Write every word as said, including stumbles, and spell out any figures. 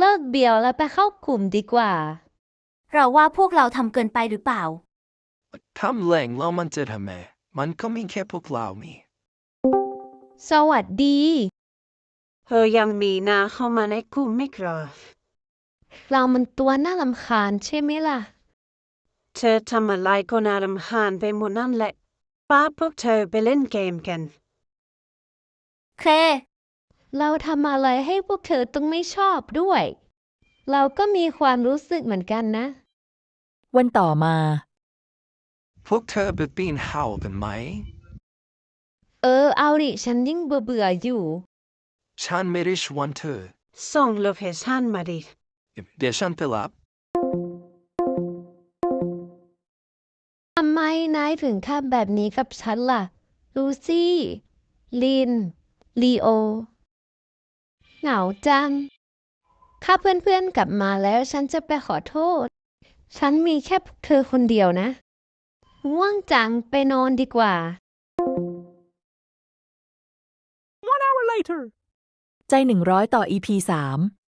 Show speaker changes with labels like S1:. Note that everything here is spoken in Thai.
S1: ลิกเบียวแล้วไปเข้ากลุ่มดีกว่า
S2: เราว่าพวกเราทำเกินไปหรือเปล่า
S3: ทำแรงแล้วมันจะทำไมมันก็มีแค่พวกเรามี
S1: สวัสดี
S4: เธอยังมีหน้าเข้ามาในกลุ่มไม่กรอ
S1: เรามันตัวน่ารำคาญใช่ไหมล่ะ
S4: เธอทำอะไรก็น่ารำคาญไปหมดนั่นแหละป้าพวกเธอไปเล่นเกมกัน
S2: เค
S1: เราทำอะไรให้พวกเธอต้องไม่ชอบด้วยเราก็มีความรู้สึกเหมือนกันนะ
S5: วันต่อมา
S3: พวกเธอไปปีนเขากันไหม
S1: เออเอาดิฉันยิ่งเบื่อเบื่ออยู่
S3: ฉันไม่ได้ชวนเธอ
S4: ส่งโลเคชั่นมาดิ
S3: เดี๋ยวฉันไปรับ
S1: ทำไมนายถึงทำแบบนี้กับฉันล่ะลูซี่ลินลีโอเหงาจังถ้าเพื่อนๆกลับมาแล้วฉันจะไปขอโทษฉันมีแค่พวกเธอคนเดียวนะง่วงจังไปนอนดีกว่า
S5: ใจหนึ่งร้อยต่อ อี พี สาม